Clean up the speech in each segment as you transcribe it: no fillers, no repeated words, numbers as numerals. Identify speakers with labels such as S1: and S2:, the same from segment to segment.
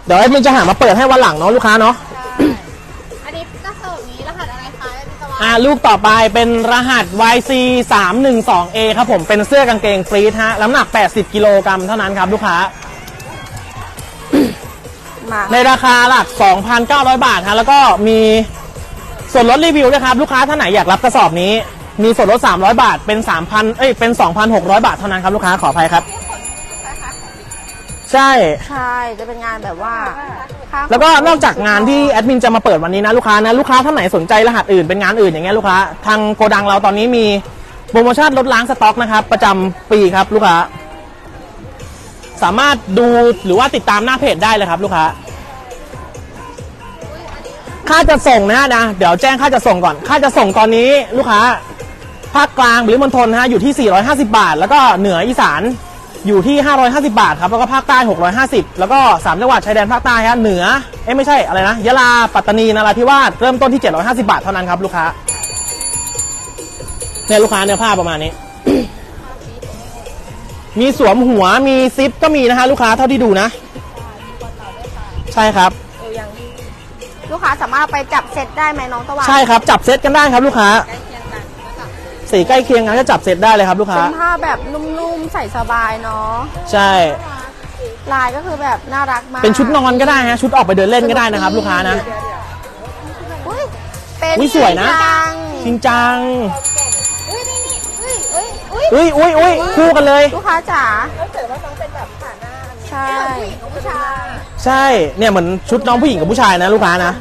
S1: เดี๋ยวมันจะหามาเปิดให้วันหลังเนาะลูกค้าเนาะ
S2: อันนี้กระสอบนี้รหัสอะไรคะ
S1: ลูกต่อไปเป็นรหัส YC 312A ครับผมเป็นเสื้อกางเกงฟรีซฮะน้ำหนัก80กิโลกรัมเท่านั้นครับลูกค้าในราคาหลัก 2,900 บาทฮะแล้วก็มีส่วนลดรีวิวนะครับลูกค้าท่านไหนอยากรับกระสอบนี้มีส่วนลด300 บาทเป็น เป็น 2,600 บาทเท่านั้นครับลูกค้าขออภัยครับใช่
S3: จะเป็นงานแบบว่า
S1: แล้วก็นอกจากงานที่แอดมินจะมาเปิดวันนี้นะลูกค้าท่านไหนสนใจรหัสอื่นเป็นงานอื่นอย่างเงี้ยลูกค้าทางโกดังเราตอนนี้มีโปรโมชั่นลดล้างสต็อกนะครับประจำปีครับลูกค้าสามารถดูหรือว่าติดตามหน้าเพจได้เลยครับลูกค้าค่าจะส่งนะเดี๋ยวแจ้งค่าจะส่งก่อนค่าจะส่งตอนนี้ลูกค้าภาคกลางหรือมณฑลอยู่ที่450 บาทแล้วก็เหนืออีสานอยู่ที่550 บาทครับแล้วก็ภาคใต้650แล้วก็3จังหวัดชายแดนภาคใต้ฮะเหนือไม่ใช่อะไรนะยะลาปัตตานีนราธิวาสเริ่มต้นที่750 บาทเท่านั้นครับลูกค้าเนี่ยลูกค้าเนื้อผ้าประมาณนี้ มีสวมหัวมีซิปก็มีนะฮะลูกค้าเท่าที่ดูนะใช่ครับ
S3: ลูกค้าสามารถไปจับเซตได้ไหมน้องตะวัน
S1: ใช่ครับจับเซตกันได้ครับลูกค้าสีใกล้เคียงกันก็จับเซตได้เลยครับลูกค้า
S3: เป็นผ้าแบบนุ่มๆใส่สบายเนาะ
S1: ใช่
S3: ลายก็คือแบบน่ารักมาก
S1: เป็นชุดนอนก็ได้ฮะชุดออกไปเดินเล่นก็ได้นะครับลูกค้านะ
S3: เป็น
S1: สวยนะจริงจังคู่กันเลย
S3: ลูกค้าจ๋า
S2: ใช่
S1: ใช่เนี่ยเหมือนชุดน้องผู้หญิงกับผู้ชายนะลูกค้านะ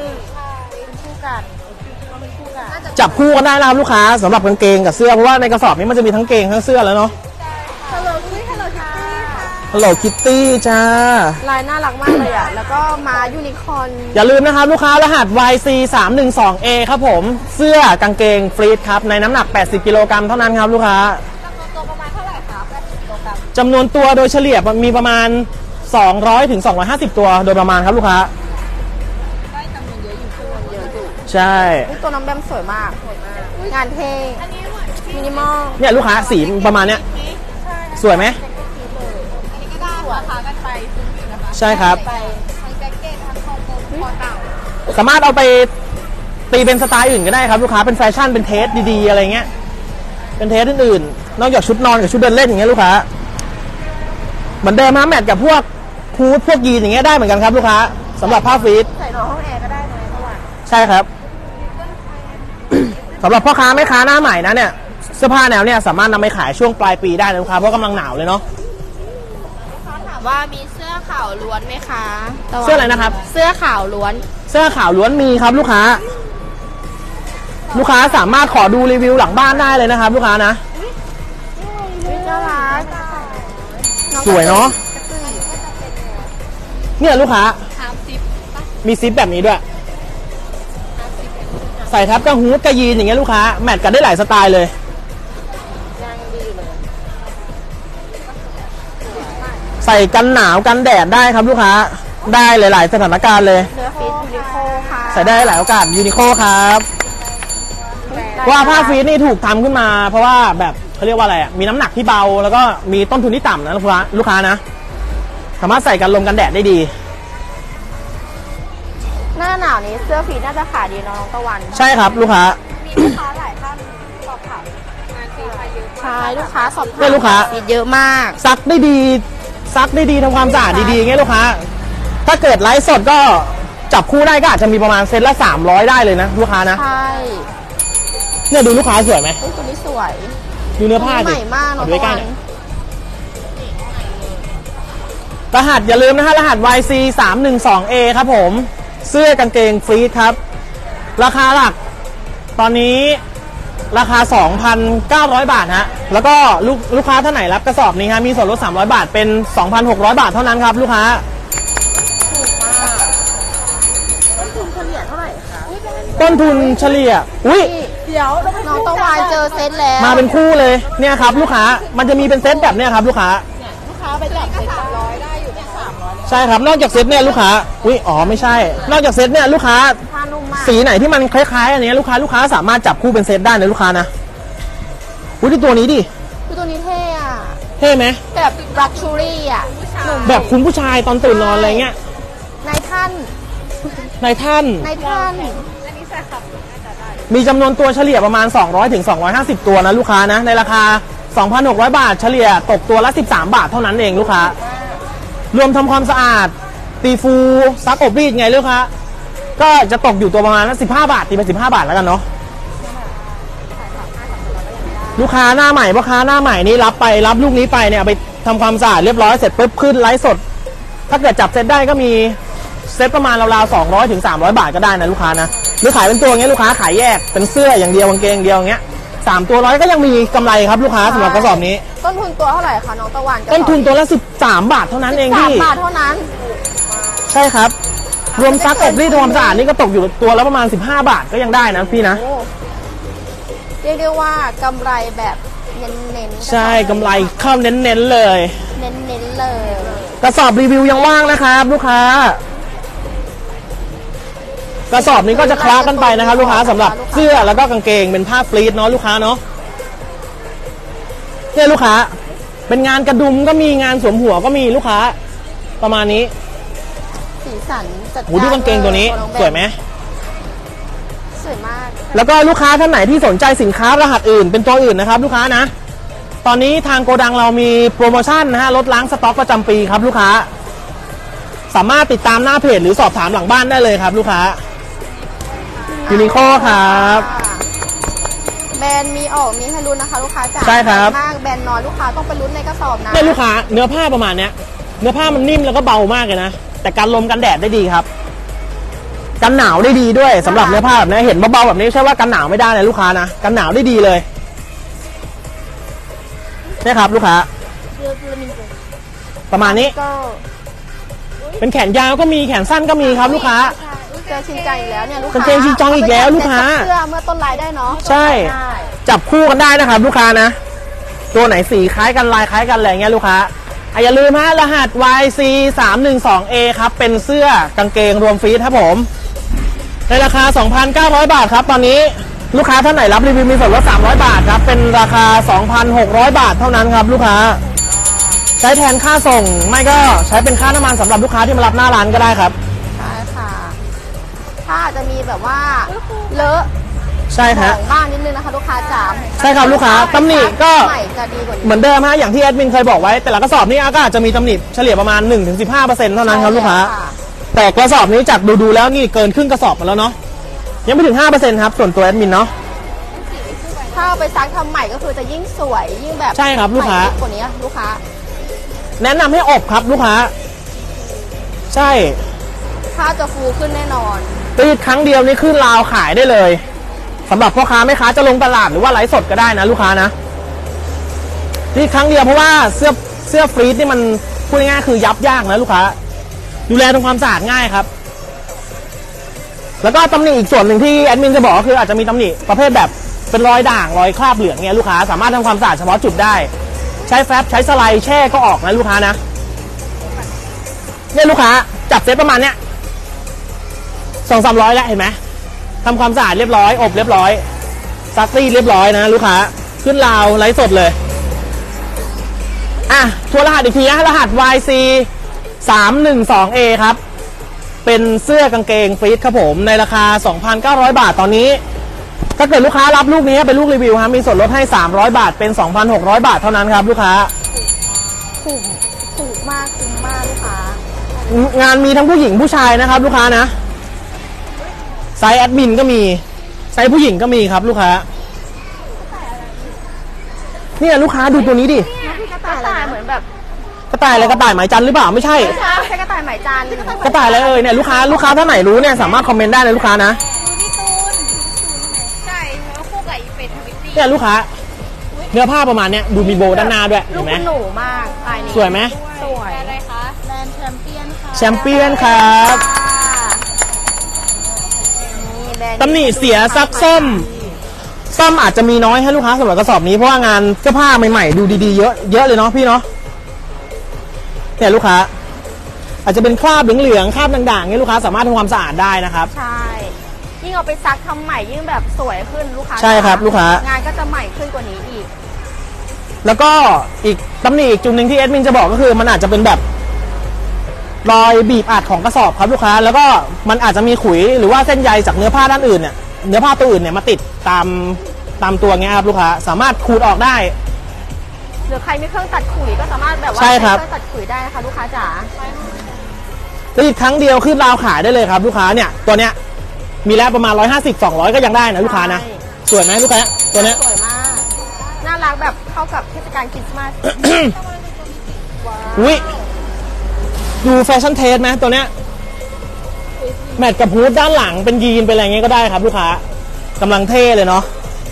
S1: จับคู่กันได้นะครับลูกค้าสำหรับกางเกงกับเสื้อเพราะว่าในกระสอบนี้มันจะมีทั้งเกงทั้งเสื้อแล้วเนาะHello Kitty จ้า
S3: ลายน่ารักมากเลยอ่ะแล้วก็มายูนิคอร์น
S1: อย่าลืมนะครับลูกค้ารหัส YC 312A ครับผมเสื้อกางเกงฟรีซครับในน้ำหนัก80กิโลกรัมเท่านั้นครับลูกค้า
S2: ตัวประมาณเท่าไหร่คะ80กิโลกรัม
S1: จำนวนตัวโดยเฉลี่ยมีประมาณ200ถึง250ตัวโดยประมาณครับลูกค้า
S2: ได้จำนวนเยอะอยู่
S1: ใช่
S3: ตัวน้องแบมสวยมากงานเท่มินิมอล
S1: เนี่ยลูกค้าสีประมาณเนี้ยสวยไหมใช่ครับสามารถเอาไปตีเป็นสไตล์อื่นก็ได้ครับลูกค้าเป็นแฟชั่นเป็นเทสดีๆอะไรเงี้ยเป็นเทสอื่นๆนอกจากชุดนอนกับชุดเดินเล่นอย่างเงี้ยลูกค้าเหมือนเดิมนะแมทกับพวกฮูดพวกยีนอย่างเงี้ยได้เหมือนกันครับลูกค้าสำหรับผ้าฟรีซ
S3: ใส่นอนห้องแอร์ก็ได้ไหมตะวัน
S1: ใช่ครับสำหรับพ่อค้าแม่ค้าหน้าใหม่นะเนี่ยเสื้อผ้าแนวเนี่ยสามารถนำไปขายช่วงปลายปีได้นะลูกค้าเพราะกำลังหนาวเลยเนาะ
S2: ถามว่ามีเสื้อขาวล้วนไหมคะ
S1: เสื้ออะไรนะครับ
S2: เสื้อขาวล้วน
S1: เสื้อขาวล้วนมีครับลูกค้าสามารถขอดูรีวิวหลังบ้านได้เลยนะครับลูกค้านะ
S3: น่ารัก
S1: สวยเนาะเนี่ยลูกค้ามีซิปแบบนี้ด้วยใส่ทับกับฮูดกับยีนอย่างเงี้ยลูกค้าแมทกันได้หลายสไตล์เลยใส่กันหนาวกันแดดได้ครับลูกค้าได้หลายๆสถานการณ์เลย
S3: เนื้อฟีดยูนิโคค่ะ
S1: ใส่ได้หลายโอกาสยูนิโคครับว่าผ้าฟีดนี่ถูกทำขึ้นมาเพราะว่าแบบเขาเรียกว่าอะไรมีน้ำหนักที่เบาแล้วก็มีต้นทุนที่ต่ำนะลูกค้านะสามารถใส่กันลมกันแดดได้ดี
S3: หน้าหนาวนี้เสื้อฟีดน่าจะขายดีน้องตะวัน
S1: ใช่ครับลูกค้า
S2: มีลูกค้าหลายท่านสอบถามงานฟีดไปเยอะ
S3: ใช่ลูกค้าสอบถาม
S1: ลูกค้า
S3: ฟีดเยอะมาก
S1: ซักได้ดีทำความสะอาดดีๆอย่างเงี้ยลูกค้าถ้าเกิดไลฟ์สดก็จับคู่ได้ก็อาจจะมีประมาณเซตละ300ได้เลยนะลูกค้านะ
S3: ใช่
S1: เนี่ยดูลูกค้าสวยไหม
S3: ตัวนี้สวย
S1: ดูเนื้อผ้าดิ
S3: ใหม่มากเนาะ
S1: ด้วยกันรหัสอย่าลืมนะฮะรหัส YC 312A ครับผมเสื้อกางเกงฟรีซครับราคาหลักตอนนี้ราคา 2,900 บาทฮะแล้วก็ลูกค้าท่านไหนรับกระสอบนี้ฮะมีส่วนลด300 บาทเป็น 2,600 บาทเท่านั้นครับลูกค้า
S3: ถูกมากต้นทุนเฉลี่ยเท่าไหร่คะ
S1: ต้นทุนเฉลี่ย
S3: เดี๋ยวน้องตะวันเจอเซตแล้ว
S1: มาเป็นคู่เลยเนี่ยครับลูกค้ามันจะมีเป็นเซตแบบเนี้ยครับลูกค้า
S2: ไปจับเซต300ได้อยู่ที่300
S1: ใช่ครับนอกจากเซตเนี่ยลูกค้าไม่ใช่นอกจากเซตเนี่ยลูกค้าสีไหนที่มันคล้ายๆอันนี้ลูกค้าสามารถจับคู่เป็นเซตได้นะลูกค้านะที่ตัวนี้ดิ
S3: ตัวนี้เท่อะ
S1: เท่ไหม
S3: แบบลักชูรี่อะ
S1: แบบคุณผู้ชายตอนตื่นนอนอะไรเงี้ย
S3: นายท่าน
S1: ในท่าน
S3: นายท่าน
S1: มีจำนวนตัวเฉลี่ยประมาณ 200 ถึง 250 ตัวนะลูกค้านะ ในราคา 2,600 บาทเฉลี่ยตกตัวละ 13 บาทเท่านั้นเองลูกค้ารวมทำความสะอาดตีฟูซักอบรีดไงลูกค้าก็จะตกอยู่ตัวประมาณ15 บาทตีไป15 บาทแล้วกันเนาะลูกค้าหน้าใหม่พ่อค้าหน้าใหม่นี่รับลูกนี้ไปเนี่ยไปทำความสะอาดเรียบร้อยเสร็จปุ๊บขึ้นไลฟ์สด ถ้าเกิดจับเซตได้ก็มีเซตประมาณราวๆ200 ถึง 300 บาทก็ได้นะลูกค้านะหรือขายเป็นตัวอย่างเงี้ยลูกค้าขายแยกเป็นเสื้ออย่างเดียวกางเกงอย่างเดียวอย่างเงี้ย3 ตัวร้อยก็ยังมีกำไรครับลูกค้าสำหรับกระสอบนี้
S3: ต้นทุนตัวเท่าไหร่คะน้องตะวัน
S1: ต้นทุนตัวละ13 บาทเท่านั้นเองพี่
S3: 13 บาทเท่านั้น
S1: ใช่ครับรวมซักอบรีดทำความสะอาดนี่ก็ตกอยู่ตัวละประมาณ15 บาทก็ยังได้นะพี่นะ
S3: โอ้เรียกได้ว่ากำไรแบบเน้นๆ
S1: ใช่กำไรเข้าเน้นๆเลย
S3: เน้นๆเลย
S1: กระสอบรีวิวยังว่างนะครับลูกค้า กระสอบนี้ก็จะคล้ากันไปนะครับลูกค้าสำหรับเสื้อแล้วก็กางเกงเป็นผ้าฟลีทเนาะลูกค้าเนาะเนี่ยลูกค้าเป็นงานกระดุมก็มีงานสวมหัวก็มีลูกค้าประมาณนี้
S3: สีสันจัด
S1: โหดูกางเกงตัวนี้สวยไหม
S3: สวยมาก
S1: แล้วก็ลูกค้าท่านไหนที่สนใจสินค้ารหัสอื่นเป็นตัวอื่นนะครับลูกค้านะตอนนี้ทางโกดังเรามีโปรโมชั่นนะฮะลดล้างสต็อกประจำปีครับลูกค้าสามารถติดตามหน้าเพจหรือสอบถามหลังบ้านได้เลยครับลูกค้ายูนิโคครับ
S3: แบรนด์มีออกมีให้ลุ้นนะคะลูกค้าจ๋า
S1: ใช่ครับ
S3: มากแบรนด์น้อยลูกค้าต้องไปลุ้นในกระสอบนะ
S1: เนี่ยลูกค้าเนื้อผ้าประมาณเนี้ยเนื้อผ้ามันนิ่มแล้วก็เบามากเลยนะแต่กันลมกันแดดได้ดีครับกันหนาวได้ดีด้วยสำหรับเนื้อผ้าแบบนี้เห็นเบาๆแบบนี้ใช่ว่ากันหนาวไม่ได้นะลูกค้านะกันหนาวได้ดีเลยเนี่ยครับลูกค้าประมาณนี้
S3: ก็
S1: เป็นแขนยาวก็มีแขนสั้นก็มีครับลูกค้า
S3: เจอชินจังอีกแล้วเนี่ยลูกค้าก
S1: างเกงชินจังอีกแล้วลูกค้า
S3: เสื้อเมื่อต้นไลน์ได้เนาะ
S1: ใช่
S3: ได้
S1: จับคู่กันได้นะครับลูกค้านะตัวไหนสีคล้ายกันลายคล้ายกันอะไรเงี้ยลูกค้าอย่าลืมฮะรหัส YC 312A ครับเป็นเสื้อกางเกงรวมฟรีครับผมในราคา 2,900 บาทครับตอนนี้ลูกค้าท่านไหนรับรีวิวมีส่วนลด300 บาทครับเป็นราคา 2,600 บาทเท่านั้นครับลูกค้าใช้แทนค่าส่งไม่ก็ใช้เป็นค่าน้ำมันสำหรับลูกค้าที่มารับหน้าร้านก็ได้ครับ
S3: ใช่ค่ะ ถ้าอาจจะมีแบบว่าเลอะ
S1: ใช่ฮะ
S3: ของบ้างนิดนึงนะคะลูกค้าจ๋า
S1: ใช่ครับลูกค้าตำหนิก็
S3: ใหม่จะดีกว่านี้
S1: เหมือนเดิมฮะอย่างที่แอดมินเคยบอกไว้แต่ละกระสอบนี้ก็อาจจะมีตำหนิเฉลี่ยประมาณ 1-15% เท่านั้นครับลูกค้าแต่กระสอบนี้จากดูแล้วนี่เกินครึ่งกระสอบมาแล้วเนาะยังไม่ถึง 5% ครับส่วนตัวแอดมินเนาะ
S3: ถ้าเอาไปซักทำใหม่ก็คือจะยิ่งสวยยิ่งแบบ
S1: ใช่ครับลูกค้า
S3: ใหม่กว่านี้ลูกค้า
S1: แนะนำให้อบครับลูกค้าใช่
S3: ถ้าจะฟูขึ้นแน่นอน
S1: ตีดครั้งเดียวนี่ขึ้นราวขายได้เลยสำหรับพ่อค้าแม่ค้าจะลงตลาดหรือว่าไลฟ์สดก็ได้นะลูกค้านะตีดครั้งเดียวเพราะว่าเสื้อฟรีซนี่มันพูดง่ายๆคือยับยากนะลูกค้าดูแลทำความสะอาดง่ายครับแล้วก็ตำหนิอีกส่วนหนึ่งที่แอดมินจะบอกก็คืออาจจะมีตำหนิประเภทแบบเป็นรอยด่างรอยคราบเหลืองเนี่ยลูกค้าสามารถทำความสะอาดเฉพาะจุดได้ใช้แฟบใช้สไลด์แช่ก็ออกนะลูกค้านะเนี่ยลูกค้าจับเซตประมาณเนี้ย200-300แล้วเห็นไหมทำความสะอาดเรียบร้อยอบเรียบร้อยซักรีดเรียบร้อยนะลูกค้าขึ้นราวไลฟ์สดเลยอ่ะทัวร์รหัสอีกทีนะรหัส YC 312A ครับเป็นเสื้อกางเกงฟรีซครับผมในราคา 2,900 บาทตอนนี้ถ้าเกิดลูกค้ารับลูกนี้เป็นลูกรีวิวครับมีส่วนลดให้300 บาทเป็น 2,600 บาทเท่านั้นครับลูกค้า
S3: ถูกมากคุ้มมากลูกค้าง
S1: านมีทั้งผู้หญิงผู้ชายนะครับลูกค้านะไซส์แอดมินก็มีไซส์ผู้หญิงก็มีครับลูกค้าเนี่ยลูกค้าดูตัวนี้ดิ
S3: กระต่ายเหมือนแบบ
S1: กระต่ายอะไรกระต่ายหมายจันทร์หรือเปล่าไม่ใช่
S3: ไม่ใช่กระต่ายไหมจันทร์
S1: กระต่ายอะไรเอ่ยเนี่ยลูกค้าท่านไหนรู้เนี่ยสามารถคอมเมนต์ได้เลยลูกค้านะ
S2: พี่ตูนใช่แล้วคู่กับอีเป็ดทวิตตี้
S1: เนี่ยลูกค้าเนื้อผ้าประมาณเนี้ยดูมีโบด้านหน้าด้วย
S3: ลู
S1: เห็
S3: ก
S1: นไหม
S3: คุณหนูมากลายนี้
S1: สวยไหม
S3: สวย
S2: อะไรคะแบรนด์แชมเปี้ยนค่ะ
S1: แชมเปี้ยนครับ
S3: นี่แบรนด์
S1: ตำหนิเสียซักซ่อมอาจจะมีน้อยให้ลูกค้าสำหรับกระสอบนี้เพราะว่างานเสื้อผ้าใหม่ๆดูดีๆเยอะเลยเนาะพี่เนาะเนี่ยลูกค้าอาจจะเป็นคราบเหลืองๆคราบด่างๆเนี่ยลูกค้าสามารถทำความสะอาดได้นะครับ
S3: ใช่ยิ่งเอาไปซักทำใหม่ยิ่งแบบสวยขึ้นลูกค้า
S1: ใช่ครับลูกค้าง
S3: านก็จะใหม่ขึ้นกว่านี้อีก
S1: แล้วก็อีกตำหนิอีกจุดหนึ่งที่แอดมินจะบอกก็คือมันอาจจะเป็นแบบรอยบีบอัดของกระสอบครับลูกค้าแล้วก็มันอาจจะมีขุยหรือว่าเส้นใยจากเนื้อผ้าด้านอื่นเนี่ยเนื้อผ้าตัวอื่นเนี่ยมาติดตามตัวเงี้ยครับลูกค้าสามารถขูดออกได้
S3: หรือใครมีเครื่องตัดขุยก็สามารถแบบว่า
S1: ใช่
S3: ใช้
S1: ครับ
S3: เครื่องตัดขุยได้นะคะลูกค้าจ๋า
S1: รีดครั้งเดียวขึ้นราวขายได้เลยครับลูกค้าเนี่ยตัวเนี้ยมีแล้วประมาณ150-200ก็ยังได้นะลูกค้านะสวยไหมลูกค้าตัวเนี้ย
S3: สวยมากน่ารักแบบเข้ากับเทศกาลคริสต์มาส
S1: อุ้ยดูแฟชั่นเทสไหมตัวเนี้ยแมทกับฮูดด้านหลังเป็นยีนเป็นอะไรเงี้ยก็ได้ครับลูกค้ากำลังเท่เลยเนาะ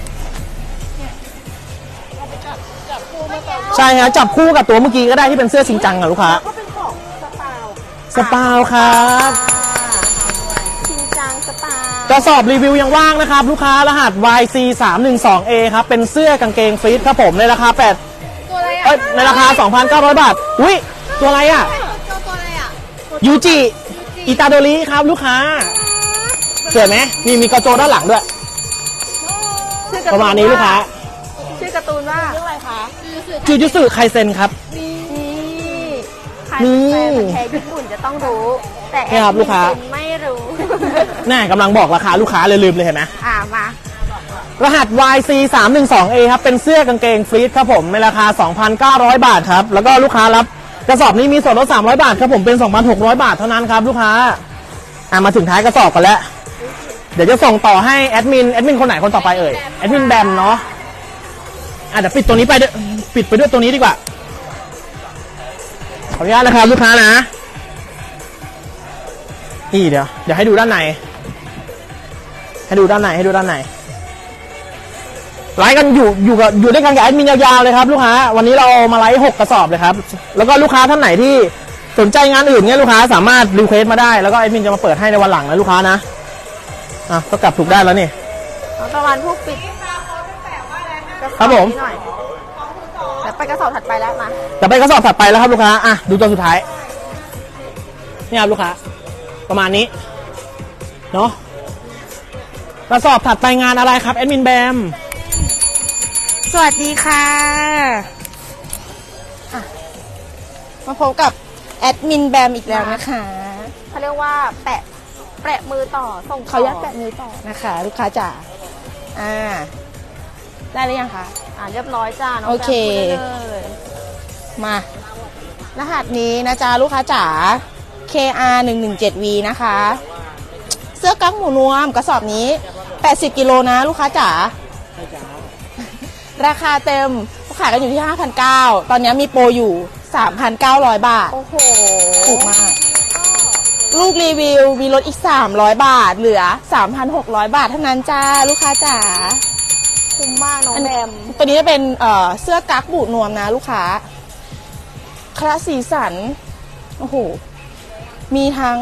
S1: ใช่ฮะจับคู่กับตัวเมื่อกี้ก็ได้ที่เป็นเสื้อชิงจังอะลูกค้า
S3: ก็เป็นของสปาว
S1: สปาวครับ
S3: ชินจังสปาว
S1: กระสอบรีวิวยังว่างนะครับลูกค้ารหัส YC312A ครับเป็นเสื้อกางเกงฟรีดครับผมในราคา
S2: ตัวอะไรอ่ะ
S1: ในราคา 2,900 บาทอุ้ยตัวอะไรอ่ะ
S2: ตัวอะไรอ่ะ
S1: ยูจิอิตาโดริครับลูกค้าสวยไหมมีกระโจด้านหลังด้วย
S3: ชื่อก
S1: ประมาณนี้ลูกค้า
S3: ชื่อการ์ตูนว่าเรื่องอะไรคะ
S1: จูจุสึไคเซ็นครับ
S3: นี่ใคร
S1: นี่
S3: เป็นแฟนพันธุ์แท้ญี่ปุ่นจะต้องรู้ แต่
S1: นี่ครับลูกค้า
S3: เป็นไม่รู้
S1: น่ากำลังบอกราคาลูกค้าเลยลืมเลยเห็นไหม
S3: มาร
S1: หัส YC312A ครับเป็นเสื้อกางเกงฟรีดครับผมในราคา 2,900 บาทครับแล้วก็ลูกค้ารับกระสอบนี้มีส่วนลด300 บาทครับผมเป็น 2,600 บาทเท่านั้นครับลูกค้ามาถึงท้ายกระสอบกันแล้วเดี๋ยวจะส่งต่อให้แอดมินคนไหนคนต่อไปเอ่ยแอดมินแบมเนาะเดี๋ยวปิดตัวนี้ไปด้วยปิดไปด้วยตัวนี้ดีกว่าขออนุญาตนะครับลูกค้านะนี่เดี๋ยวให้ดูด้านในให้ดูด้านในไลฟ์กันอยู่ด้วยกันกับแอดมินยาวๆเลยครับลูกค้าวันนี้เรามาไลฟ์6กระสอบเลยครับแล้วก็ลูกค้าท่านไหนที่สนใจงานอื่นเนี่ยลูกค้าสามารถรีเควสต์มาได้แล้วก็แอดมินจะมาเปิดให้ในวันหลังนะลูกค้านะก็กลับถูกได้แล้วนี่
S3: น้องตะวันผู้ปิด
S1: ครับผม
S3: นิดหน่อยเดี๋ยวไปกระสอบถัดไปแล้วมา
S1: จะไปกระสอบถัดไปแล้วครับลูกค้าดูตัวสุดท้ายนี่ครับลูกค้าประมาณนี้เนาะกระสอบถัดไปงานอะไรครับแอดมินแบม
S3: สวัสดีค่ะมาพบกับแอดมินแบมอีกแล้วนะคะเขาเรียกว่าแปะมือต่อส่งเขายักแปะมือต่อนะคะ ลูกค้าจ๋าได้หรือยังคะเรียบร้อยจ้าน้อง
S1: โอเค
S3: แบมพูดได้เลยมารหัสนี้นะจ๊ะลูกค้าจ๋า KR117V นะคะ เสื้อกั๊กหมูนวมกระสอบนี้80กิโลนะลูกค้าจ๋าราคาเต็มขายกันอยู่ที่ 5,900 ตอนนี้มีโปรอยู่ 3,900 บาท โอ้โห ถูกมาก ลูกรีวิวมีลดอีก 300 บาท เหลือ 3,600 บาทเท่านั้นจ้า ลูกค้าจ๋า คุ้มมากน้องแบม ตัวนี้จะเป็นเสื้อกั๊กบูดนวมนะลูกค้า คลาสสีสัน โอ้โห มีทั้ง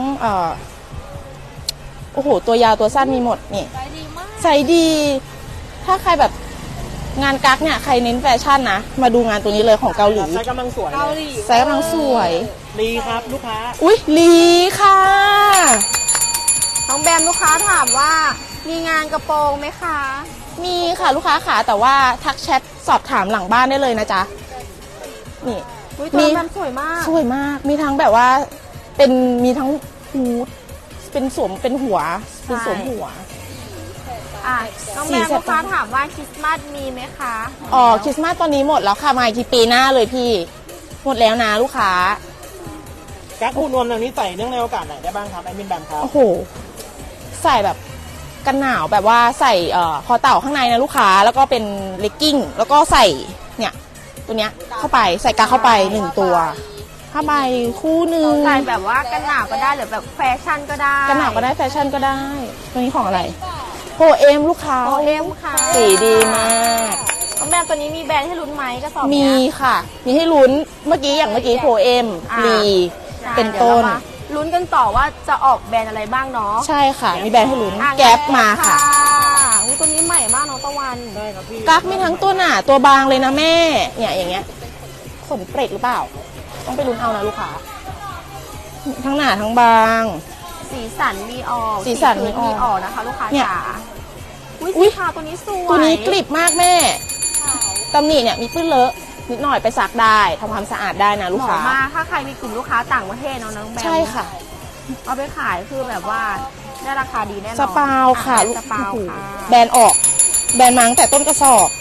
S3: โอ้โห ตัวยาวตัวสั้นมีหมดนี่ใส่ดี ถ้าใครแบบงานกั๊กเนี่ยใครเน้นแฟชั่นนะมาดูงานตัวนี้เลยของเกาหลี
S1: ไซส์กำลังสวย
S3: ไซส์กำลังสวย
S1: ดีครับลูกค้า
S3: อุ๊ยลีค่ะน้องแบมลูกค้าถามว่ามีงานกระโปรงไหมคะ มีค่ะลูกค้าค่ะแต่ว่าทักแชทสอบถามหลังบ้านได้เลยนะจ๊ะนี่มีแบมสวยมากสวยมากมีทั้งแบบว่ามีทั้งฮูดเป็นสวมเป็นหัวเป็นสวมหัวน้องแบมลูกค้าถามว่าคริสต์มาสมีไหมคะคริสต์มาสตอนนี้หมดแล้วค่ะมาอีกทีปีหน้าเลยพี่หมดแล้วนะลูกค้า
S1: กั๊กคู่นวมแบบนี้ใส่เนื่องในโอกาสไหนได้บ้างครับแอดมินแบมครับ
S3: โอ้โหใส่แบบกันหนาวแบบว่าใส่คอเต่าข้างในนะลูกค้าแล้วก็เป็นเลกกิ้งแล้วก็ใส่เนี่ยตัวเนี้ยเข้าไปใส่กาเข้าไป1ตัวผ้าใบคู่หนึ่งใส่แบบว่ากันหนาวก็ได้หรือแบบแฟชั่นก็ได้กันหนาวก็ได้แฟชั่นก็ได้ตัวนี้ของอะไรโพเอมลูกค้าโพเอมค่ะสีดีมากน้องแบมตัวนี้มีแบรนด์ให้ลุ้นไหมกระสอบมีค่ะมีให้ลุ้นเมื่อกี้โพเอมลีเป็นต้นลุ้นกันต่อว่าจะออกแบรนด์อะไรบ้างเนาะใช่ค่ะมีแบรนด์ให้ลุ้นแก๊ปมาค่ะตัวนี้ใหม่มากน้องตะวันใช่ครับพี่กั๊กมีทั้งตัวหนาตัวบางเลยนะแม่เนี่ยอย่างเงี้ยขนเปรตหรือเปล่าต้องไปลุ้นเอานะลูกค้าทั้งหนาทั้งบางสีสันมีออกนะคะลูกค้าจ๋าอุ้ยสีขาวตัวนี้สวยตัวนี้กริบมากแม่ตำหนิเนี่ยมีปื้นเลอะนิดหน่อยไปซักได้ทำความสะอาดได้นะลูก
S2: เห
S3: ค้า
S2: มาะมากถ้าใครมีกลุ่มลูกค้าต่างประเทศเนาะน้องแบม
S3: ใช่ค่ะ
S2: เอาไปขายคือแบบว่าได้ราคาดีแน่นอน
S3: สปาวค่ะ
S2: อ่
S3: ลูก
S2: สปาว
S3: โอ้โห
S2: ค่ะ
S3: แบรนด์ออก แบรนด์มาตั้งแต่ต้นกระสอบ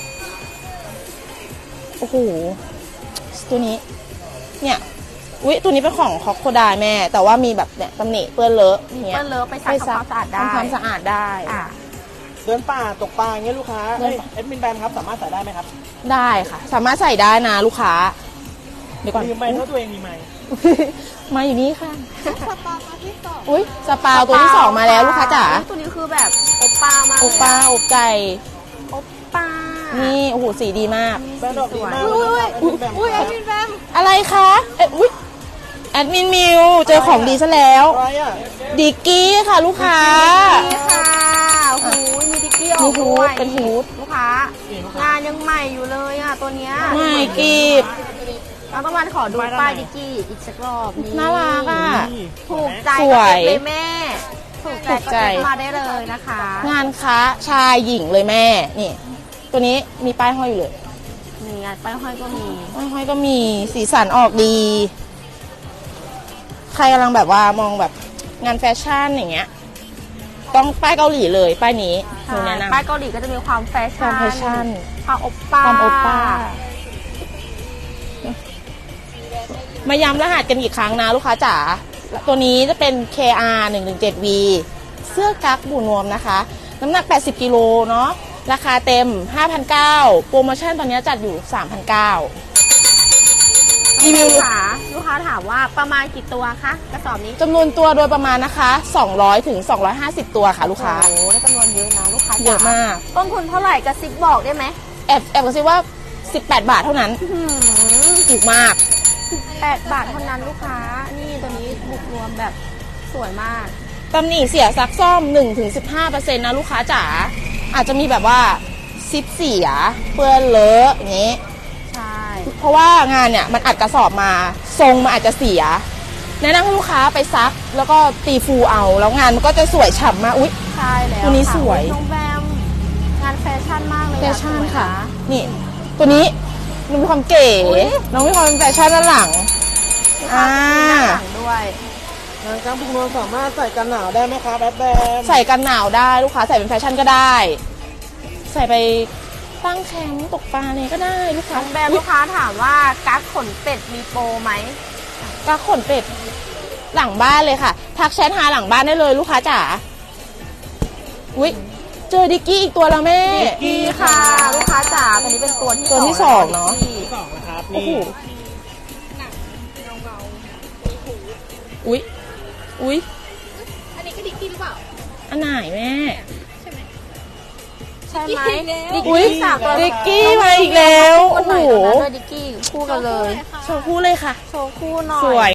S3: โอ้โหตัวนี้ เนี่ยอุ๊ยตัวนี้เป็นของคอกโคดายแม่ แต่ว่ามีแบบเนี่ยตำหนิเปื้อนเลอะเนี่ย
S2: เปิ้ลเลิฟไปซักทำความสะอาดได้
S3: ทำความสะอาดได้
S2: อ่ะ
S1: เดินป่าตกปลาอย่างเงี้ยลูกค้า
S3: เดินป่า
S1: เอ็ดมินแบมครับสามารถใส่ได้ไหมครับ
S3: ได้ค่ะ สามารถใส่ได้นะลูกค้า เดี๋ยวก่อน
S1: มีไมค์เท่าตัวเองมีไมค์
S3: มาอยู่นี่ค่ะ
S2: สปาที่สอง
S3: อุ้ยสปาวตัวที่สองมาแล้วลูกค้าจ๋า
S2: ตัวนี้คือแบบโอป้ามาก
S3: โอป้าอกไก่
S2: โอป้า
S3: นี่โอ้โหสีดีมาก
S1: แบรนด์ออกดีมาก
S2: อุ้ย
S1: เลย
S2: อุ้ย
S1: นะครับ
S2: อุ้ยแอดมินแบม
S3: อะไรคะอุ๊ยแอดมินมิวเจอของดีซะแล้ว
S1: อะไรอ่ะ
S3: ดิกกี้ค่ะลูกค้า
S2: นี่ค่ะโอ้โหมีดิกกี้ออก
S3: มีฮู
S2: ด้ว
S3: ด
S2: ย
S3: เป็นฮูด
S2: ลูกค้างานยังใหม่อยู่เลยอ่ะตัวเนี้ย
S3: ไม่กีบ
S2: เราต้องมาขอดูป้ายดิกกี้อีกสักรอบนี่
S3: น่ารักอ่ะ
S1: นี่
S2: ถูกใจ
S3: สวย
S2: ก็เอฟเลยแม่ ถูกใจ
S3: ถูก
S2: ก็
S3: ใจ
S2: เอฟมาได้เลยนะคะ
S3: งานค้าชายหญิงเลยแม่ นี่ ตัวนี้มีป้ายห้อยอยู่เลย
S2: มีงานป้ายห้อยก็มี
S3: ป้ายห้อยก็มีสีสันออกดี ใครกำลังแบบว่ามองแบบงานแฟชั่นอย่างเงี้ย ต้องป้ายเกาหลีเลยป้ายนี้หนูแนะนำ
S2: ป้ายเกาหลีก็จะมีความแฟ
S3: ควา
S2: ชั่
S3: ม
S2: น
S3: แฟชั่น
S2: ความโอปป้า
S3: ความโอป้า มาย้ำรหัสกันอีกครั้งนะลูกค้าจ๋า ตัวนี้จะเป็น KR 117V เสื้อกั๊กบูนวมนะคะ น้ำหนัก 80 กิโลเนาะ ราคาเต็ม 5,900 โปรโมชั่นตอนนี้จัดอยู่ 3,900 รีวิว
S2: ลูกค้าถามว่าประมาณกี่ตัวคะกระสอบนี้
S3: จำนวนตัวโดยประมาณนะคะ 200 ถึง 250 ตัวค่ะลูกค้า
S2: โอ้โหได้จำนวนเยอะนะลูกค้า
S3: เยอะมาก
S2: ต้นทุนเท่าไหร่กระซิบบอกได้ไหม
S3: แอบกระซิบว่า 18 บาทเท่านั้น ถูกมาก
S2: 8 บาทเท่านั้นลูกค้า นี่ตัวนี้บุกรวมแบบสวยมาก
S3: ตำหนิเสียซักซ่อม 1-15% นะลูกค้าจ๋า อาจจะมีแบบว่าซิปเสียเปื้อนเลอะอย่างนี้
S2: ใช่
S3: เพราะว่างานเนี่ยมันอัดกระสอบมา ทรงมันอาจจะเสีย แนะนำให้ลูกค้าไปซัก แล้วก็ตีฟูเอา แล้วงานมันก็จะสวยฉ่ำมาก อุ๊ย
S2: ใช่แล้ว
S3: ตัวนี้
S2: ค่ะ
S3: สวย
S2: น้องแบมงานแฟชั่นมากเลยอะ
S3: แฟชั่น
S2: สวย
S3: ค่ะ นี่ ตัวนี้น้องมีความเก๋
S2: อุ๊ย
S3: น้องมีความเป็นแฟชั่นด้านหลัง
S2: ลูกค้ามีหน้าหลังด้วย
S1: งานกางพุงนวลสามารถใส่กันหนาวได้ไหมครับแอดแบม
S3: ใส่กันหนาวได้ลูกค้าใส่เป็นแฟชั่นก็ได้ ใส่ไปตั้งแคมป์ตกปลาเนี่ยก็ได้ลูกค้า
S2: น้องแบมลูกค้าถามว่ากั๊กขนเป็ดมีโปรไหม
S3: ก็ขนเป็ดหลังบ้านเลยค่ะ ทักแชทหาหลังบ้านได้เลยลูกค้าจ๋า อุ๊ย เจอดิกกี้อีกตัวแล้วแม่
S2: ดีค่ะ ลูกค้าจ๋าตัวนี้เป็นตัวที่
S3: ตัวที่สองเนอะ
S2: ที่
S1: สองนะครับ
S3: โอ้
S1: นี่
S3: โหอุ๊ย อุ๊ย
S2: อันนี้ก็ดิกกี้หรือเปล่า
S3: อันไหนแม่
S2: ใช่ไหม
S3: อุ๊ย
S2: สามตัว
S3: ดิกกี้มาอีกแล้ว
S2: คู่
S3: โอ้
S2: กันห
S3: โห
S2: น่อยตัวนั้นด้วยดิกกี้คู่กันเลย
S3: โชว์คู่เลยค่ะ
S2: โชว์คู่หน่อย
S3: สวย